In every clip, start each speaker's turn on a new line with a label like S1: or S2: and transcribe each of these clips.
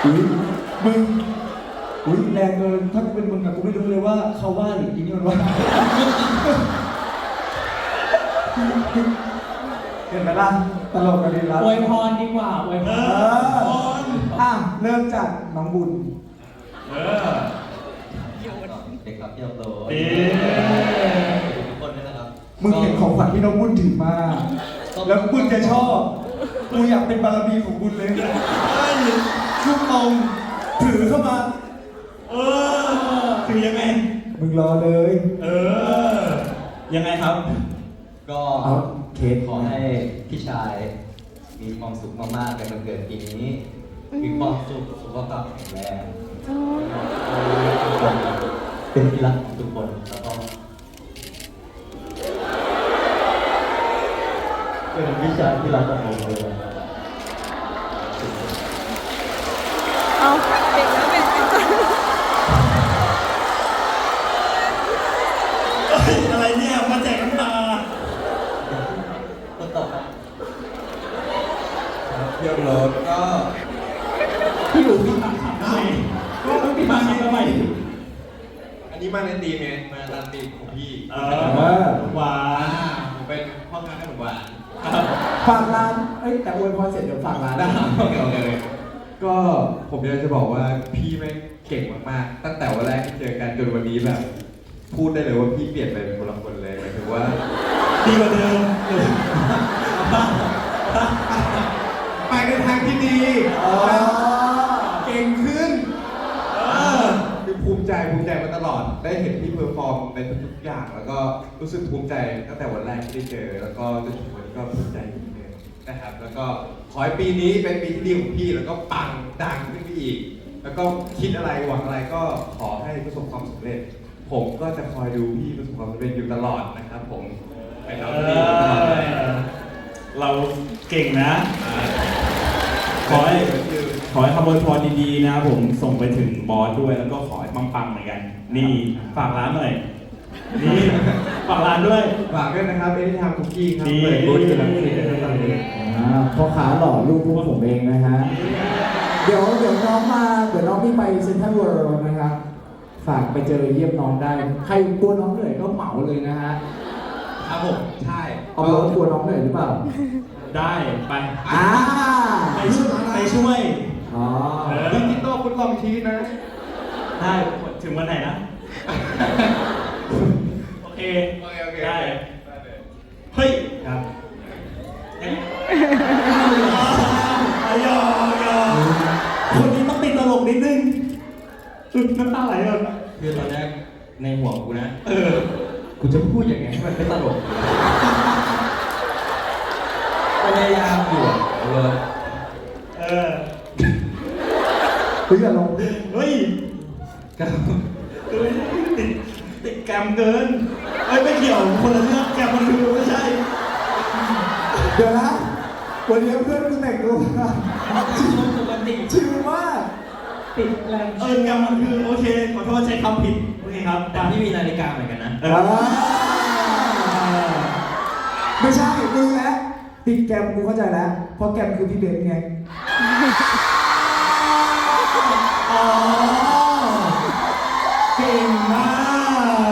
S1: อุ้ยมึงอุ้ยแรงเกินถ้ากูเป็นมึงอะกูไม่รู้เลยว่าเขาว่าหรืออีนี่มันว่าเห็นไหมล่ะตลกกันดีละ
S2: อวยพรดีกว่าอวยพร
S1: อ่ะเริ่มจากน้องบุญ
S3: เด็กรับเที่ยวโต
S4: ดี
S3: ทุกคนด้วยนะครับ
S1: มึงเห็นของขวัญที่น้องบุญถือมา แล้วบุญจะชอบกูอยากเป็นบารมีของบุญเลยลูกเอาถือเข้ามา
S4: คือยังไง
S1: มึงรอเลย
S4: ยังไงครับ
S3: ก็
S1: เอาเค้ก
S3: ขอให้พี่ชายมีความสุขมากๆในวันเกิดปีนี้ มีความสุขสุขภาพแข็งแรงทุกคนเป็นที่รักของทุกคนแล้วก็เป็นพี่ชายที่รักของผมเลย
S5: เอาเด็กแล้วเป็นก่อน
S4: อะไรเนี่ยมาแจกน้ำตา
S3: ต้นต่อครับ
S6: เที่ยวรถก็
S2: พี่อยู่พี่ตัดขาดทำไมก็พี่ตัดขาดทำไม
S6: อันนี้มาในตีมไงมาตามตีมของพี่
S4: หวาน
S6: ผมเป็นพ่อค้าขนมหวาน
S1: ฝากร้านเอ้ยแต่อวยพรเสร็จเดี๋ยวฝากร้าน
S6: ได้
S1: นะ
S6: โอเคก็ผมอยากจะบอกว่าพี่ไม่งเก่งมากๆตั้งแต่วันแรกที่เจอกันจนวันนี้แบบ พูดได้เลยว่าพี่เปลี่ยนไปเป็นคนละคนเลยหมายถึงว่า
S4: ดีกว่าเดิม
S6: ไปในทางที่ดีเก่งขึ้นคือภูมิใจมาตลอด ได้เห็นพี่เพอร์ฟอร์มในทุกๆอย่าง แล้วก็รู้สึกภูมิใจตั้งแต่วันแรกที่ได้เจอ แล้วก็จนถึงวันนี้ก็ภูมิใจอีกเลยนะครับ แล้วก็ขอให้ปีนี้เป็นปีที่ดีของพี่ แล้วก็ปังดังขึ้นไปอีก แล้วก็คิดอะไรหวังอะไรก็ขอให้ประสบความสำเร็จ ผมก็จะคอยดูพี่ประสบความสำเร็จอยู่ตลอดนะครับ ผมไปเราดีตลอดเลย
S4: เราเก่งนะ ขอให้คำอวยพรดีๆนะครับผมส่งไปถึงบอสด้วยแล้วก็ขอให้ปังๆเหมือนกัน นี่ฝากร้านหน่อย นี่ฝากร้านด้วย
S6: ฝากด้วยนะครับเอที่ทำคุกกี้ครับ
S4: ดี
S6: เปิดบูธอยู่หลังคลินิกนะครับตอนนี้
S1: พ่อค้าหล่อลูกพวกผมเองนะฮะ เดี๋ยวน้องมาเดี๋ยวน้องพี่ไปเซ็นทรัลเวิลด์นะครับ ฝากไปเจอเยี่ยมน้องได้ ใครกลัวน้องเหนื่อยก็เหมาเลยนะฮะ
S6: ครับผมใช่
S1: เอารถกลัวน้องเหนื่อยหรือเปล่า
S4: ได้ไป
S1: อ่า
S4: ไปช่วย
S1: อ๋อ
S6: ดิจิตอลฟุตลองชีสนะ
S4: ได้ถึงวันไหนนะ โอเค
S6: โอเค
S4: ได้ เฮ้ย
S6: ครับ
S4: ยังยอคนนี้ต้องติดตลกนิดนึงน้ำตาไหลก่อน
S3: คือตอนแรกในหัวกูนะ กูจะพูดยังไงให้มันไม่ตลกพยายามอยู่เลย
S4: เออ
S1: เฮ้ยอย่าลง
S4: เฮ้ย
S3: ก็
S4: ติดแกรมเกินเอ้ยไม่เกี่ยวคนละเรื่องแกรมมันคือไม่ใช่
S1: เดี๋ยวนะวันนี้เพื่อนกูแต่งตัวมา
S2: ปกติ
S1: ชิลมาก
S2: ติดแรง
S4: แกรมมันคือโอเคขอโทษใช้คำผิดโอเคครับ
S3: แต่พี่มีนาฬิกาเหมือนกันนะ
S1: ไม่ใช่ดูแล้วติดแกรมกูเข้าใจแล้ว เพราะแกรมคือพี่เบนซ์ไง
S4: อ๋อเก่งมาก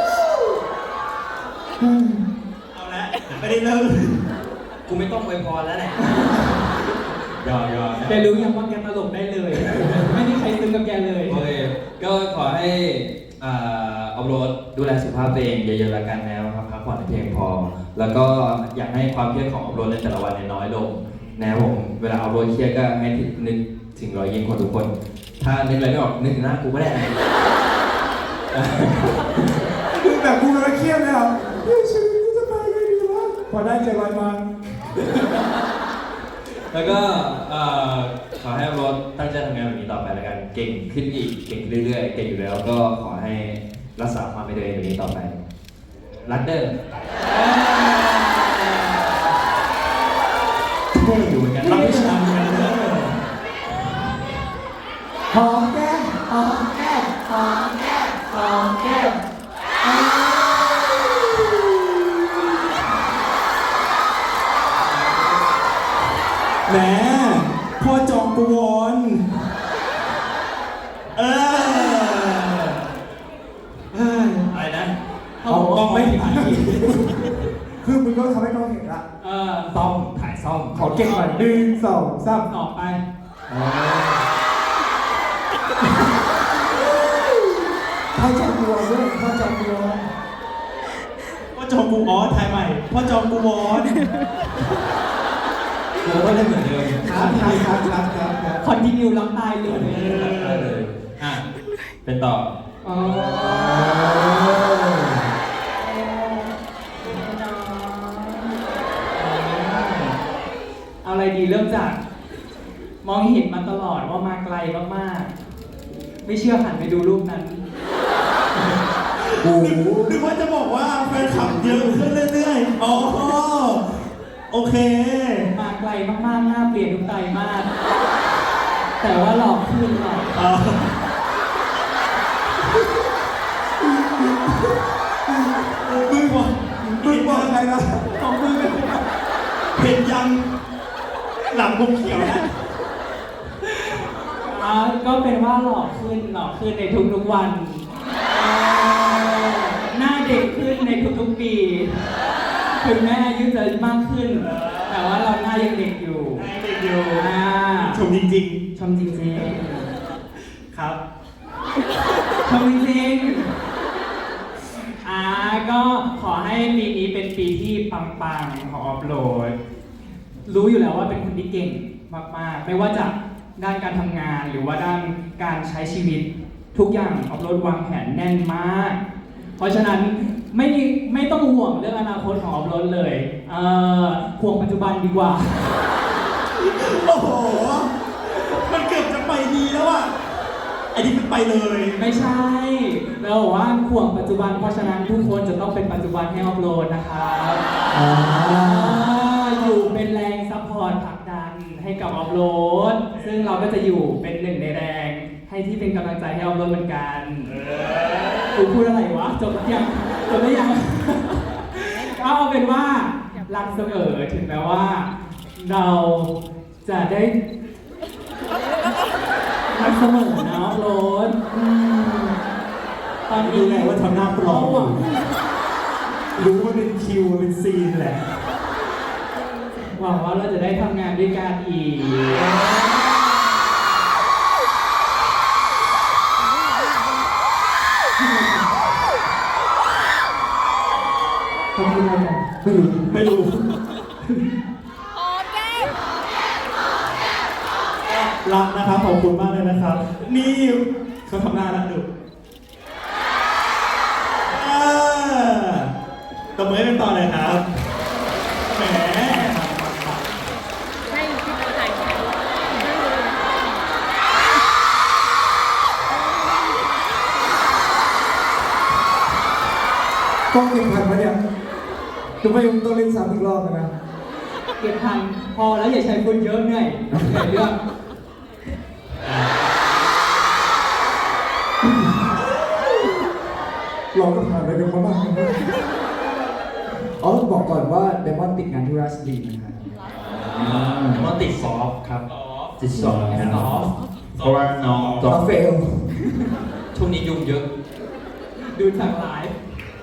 S4: เอาละไม่ได้เริ่ม
S3: กูไม่ต้องอวยพรแล้วแหละ
S4: ยอม
S2: แต่รู้ยังว่าแกตลกได้เลย ไม่มีใครซึ้งกับแกเลย
S3: โอเคก็ขอให้อัพโหลดดูแลสุขภาพตัวเองเยอะๆแล้วกันนะครับพักผ่อนให้เพียงพอ แล้วก็อยากให้ความเครียดของอัพโหลดในแต่ละวันเนี่ยน้อยลงนะครับผมเวลาอัพโหลดเครียดก็ให้นึกถึงรอยยิ้มของทุกคน ถ้านึกอะไรไม่ออกนึกถึงหน้ากูก็ได้นะ
S1: คือแบบกูกำลังเครียดเลยอ่ะเฮ้ยชีวิตกูจะไปไงดีวะพอได้เจอรอยมา
S3: แล้วก็ขอให้อัพโหลดตั้งใจทำงานแบบนี้ต่อไปแล้วกันเก่งขึ้นอีกเก่งเรื่อยๆเก่งอยู่แล้วก็ขอให้รักษาความเป็นตัวเองแบบนี้ต่อไปรักเด้อ
S4: เท่อยู่เหมือนกันรับวิชาเหมือนกันเด้อ
S1: หอมแก้มหอมแก้มหอมแก้มหอมแก้ม
S4: แหมพ่อจองกวอนเอออะไรนะเอากล้องไม่ถึงขีด
S1: คือมึงก็ทำให้น้องเห็นละ
S2: ซ่อมถ่ายซ่อม
S1: ขอเก่งหน่อย1 2 3
S2: ต่อไป
S1: พ่อจอมบัวด้วยพ่อจอมบัว
S4: พ่อจอมกูออสถ่ายใหม่พ่อจอมกูวอส
S3: กูก็เล่นเหมือนเดิม
S1: ครับ
S2: คอนติเนียรับตายเลย
S3: ได้เลยอ่ะเป็นต่อ
S2: อ๋อเอาอะไรดีเริ่มจาก มองเห็นมาตลอดว่ามาไกลมากๆ ไม่เชื่อหันไปดูรูปนั้น
S1: โอ้โห
S4: นึกว่าจะบอกว่าแฟนคลับเยอะขึ้นเรื่อยๆอ๋อโอเค
S2: มาไกลมากๆหน้าเปลี่ยนทุกไตรมาสแต่ว่าหลอกขึ้นหรอก
S4: มึงบอก
S1: มึงบอกอะไรนะ
S2: ของมือเป็น
S4: เห็นยังหลังผมเขียวนะ
S2: ก็เป็นว่าหลอกขึ้นในทุกๆวันหน้าเด็กขึ้นในทุกๆปี ถึงแม้อายุจะมากขึ้น แต่ว่าเราหน้ายังเด็กอยู่
S4: เด็กอยู่
S2: ช
S4: ชมจริง
S2: ชมจริง
S4: ๆ ครับ
S2: ๆชมจริงๆก็ขอให้ปีนี้เป็นปีที่ปังๆของออฟโหลด รู้อยู่แล้วว่าเป็นคนที่เก่งมากๆ ไม่ว่าจะด้านการทำงานหรือว่าด้านการใช้ชีวิตทุกอย่างออฟโหลดวางแผนแน่นมาก เพราะฉะนั้นไม่ต้องห่วงเรื่องอนาคตของออฟโหลดเลยห่วงปัจจุบันดีกว่า
S4: โอ้โห มันเกือบจะไปดีแล้วอ่ะไอ้นี่มันไปเลย
S2: ไม่ใช่เราบอกว่าห่วงปัจจุบันเพราะฉะนั้นทุกคนจะต้องเป็นปัจจุบันให้ออฟโหลดนะครับอยู่เป็นแรงซัพพอร์ตผลักดันให้กับออฟโหลดซึ่งเราก็จะอยู่เป็นหนึ่งในแรงให้ที่เป็นกำลังใจให้ออฟโหลดเหมือนกันกูพูดอะไรวะจบหรือยังก็เอาเป็นว่ารักเสมอถึงแม้ว่า เราจะได้รักเสมอนะออฟโหลดตอนนี้
S4: รู้ไงว่าทำหน้าปลอม
S2: หวัง
S4: รู้ว่าเป็นคิวเป็นซีนแหละ
S2: หวังว่าเราจะได้ทำงานด้วยกันอีก ขอบคุณครับ
S4: ไม่รู้ รักนะครับ ขอบคุณมากเลยนะครับ นี่เขาทำหน้าแล้วดูตบมือให้เป็นต่อเลยครับ แหม
S5: ให้ที่เราถ่ายแค่
S1: กล้องเก็บทันไหมเนี่ยจะไม่ต้องเล่นซ้ำอีกรอบนะ
S2: เก็บทันพอแล้วอย่าใช้คนเยอะเหนื่อยเหนื่อยเรื่อง
S1: เราก็ผ่านไปกันมาบ้างนะอ๋อบอกก่อนว่าเดมอนติดงานที่ราชบุรีนะครับ
S3: มันติดซอฟต์ครับติดซอฟต์
S2: ซอฟต์
S3: เพราะว่าน้องซอ
S1: เรา
S3: ฟต์
S1: เฟล
S3: ช่วงนี้ยุ่งเยอะ
S2: ดูทางไลฟ์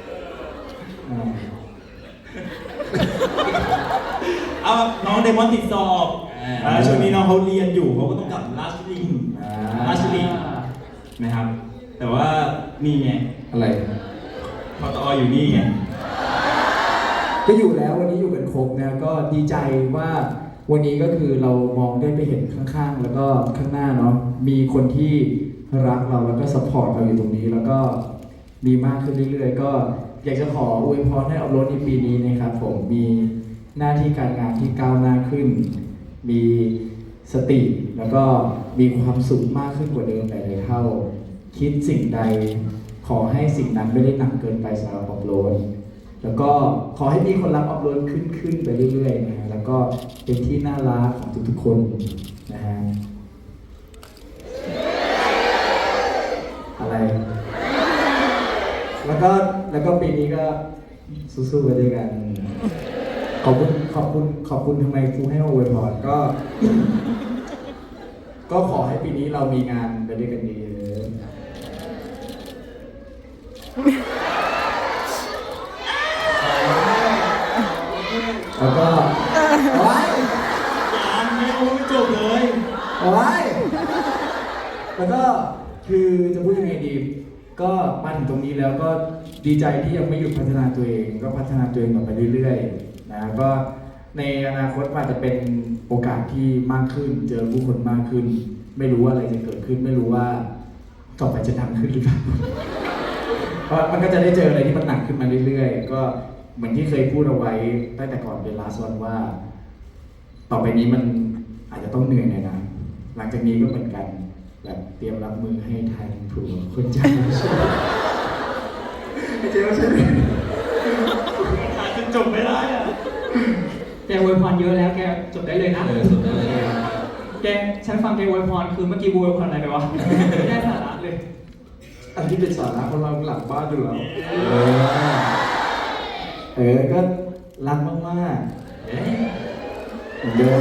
S4: เอาน้องเดมอนติดสอบช่วงนี้น้องเขาเรียนอยู่เขาก็ต้องกลับราชบุรีนะครับ แต่ว่านี่ไง
S1: อะไร
S4: พอตออยู่นี่ไง
S1: ก็อยู่แล้ววันนี้อยู่กันครบนะก็ดีใจว่าวันนี้ก็คือเรามองได้ไปเห็นข้างๆ แล้วก็ข้างหน้าเนาะมีคนที่รักเราแล้วก็ซัพพอร์ตเราอยู่ตรงนี้ แล้วก็มีมากขึ้นเรื่อยๆ ก็อยากจะขออวยพรให้อัพโหลดในปีนี้นะครับผมมีหน้าที่การงานที่ก้าวหน้าขึ้น มีสติแล้วก็มีความสุขมากขึ้นกว่าเดิมหลายๆเท่าคิดสิ่งใดขอให้สิ่งนั้นไม่ได้หนักเกินไปสำหรับอัพโหลด แล้วก็ขอให้มีคนรักอัพโหลดขึ้นไปเรื่อยๆนะฮะแล้วก็เป็นที่น่ารักของทุกๆคนนะฮะอะไร แล้วก็ปีนี้ก็สู้ๆไปด้วยกัน ขอบคุณทำไมครูให้มาอวยพรก็ ก็ขอให้ปีนี้เรามีงานไปด้วยกันเยอะแล้วก็โอ้ย
S4: ยังไม่รู้ไม่จบเลย
S1: โอ้ยแล้วก็คือจะพูดยังไงดี ก็มาถึงตรงนี้แล้วก็ดีใจที่ยังไม่หยุดพัฒนาตัวเอง ก็พัฒนาตัวเองต่อไปเรื่อยๆนะก็ในอนาคตอาจจะเป็นโอกาสที่มากขึ้น เจอผู้คนมากขึ้น ไม่รู้ว่าอะไรจะเกิดขึ้น ไม่รู้ว่าต่อไปจะดังขึ้นหรือเปล่า เพราะมันก็จะได้เจออะไรที่มันหนักขึ้นมาเรื่อยๆ ก็เหมือนที่เคยพูดเอาไว้ตั้งแต่ก่อนเป็น last one ว่า ต่อไปนี้มันอาจจะต้องเหนื่อยหน่อยนะ หลังจากนี้ก็เหมือนกันแบบเตรียมรับมือให้ทันผัวคนใจไม่ใช่ไม่ใช่
S4: อาจจะจบไม่ได้อะ
S2: แกอวยพรเยอะแล้วแกจบได้เลยนะ
S3: สุดเลย
S2: แกฉันฟังแกอวยพรคือเมื่อกี้อวยพรอะไรไปวะ ไม่ได้สาระเลย
S1: อันที่เป็นสาระของเราหลังบ้านดูแล้วก็รักมากๆเหมือนเดิม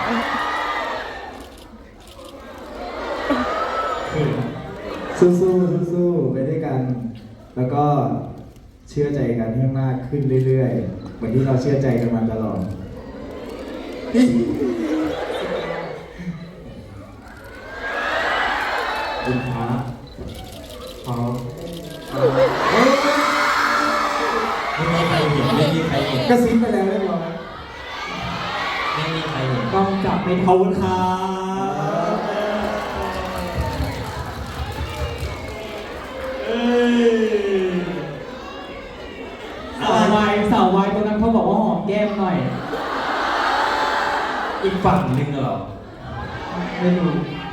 S1: สู้ๆไปด้วยกัน แล้วก็เชื่อใจกันให้มากขึ้นเรื่อยๆเหมือนที่เราเชื่อใจกันมาตลอดคุณพระพร้อม
S3: ไม่มีใครเห็นไม่มีใครเห็น
S1: กระซิบไปแล้วเรียบร้อย
S3: ไม่มีใครเห็น
S2: ต้องจับไม่
S4: ข
S2: ทั
S4: อบ
S2: น
S4: คุณครับเอ้ย
S2: สาววายตัวนั้นเขาบอกว่าหอมแก้มหน่อย
S3: อีกฝั่งนึงเหรอ
S2: ไม่รู้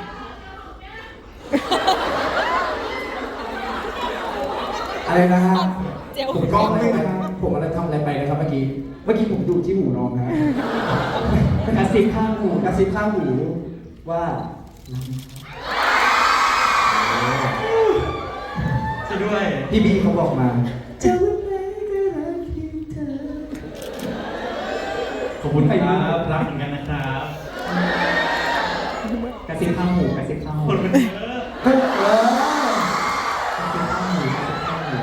S1: อะไรนะฮะ
S5: เจียว
S1: ผมก็ไม่นะครับผมอะไรทำอะไรไปนะครับเมื่อกี้ผมดูที่หูน้องนะ
S2: กระซิบข้างหู
S1: กระซิบข้างหูว่า
S4: ช่วยด้วย
S1: พี่บีเขาบอกมา
S4: ขอบคุณครับรักเหมือนกันนะครับ
S2: กระซิบข้างหูกระซิบข้างหู
S4: คนมันเยอะ
S1: ก็เออก
S2: ระซิบข้างหูกระซิบข้างหู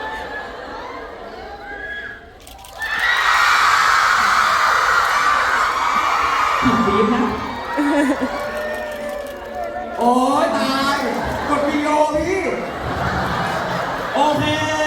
S2: ผิดบีบนะ
S1: โอ้ยตาย กดวิดีโอพี่
S4: โอเค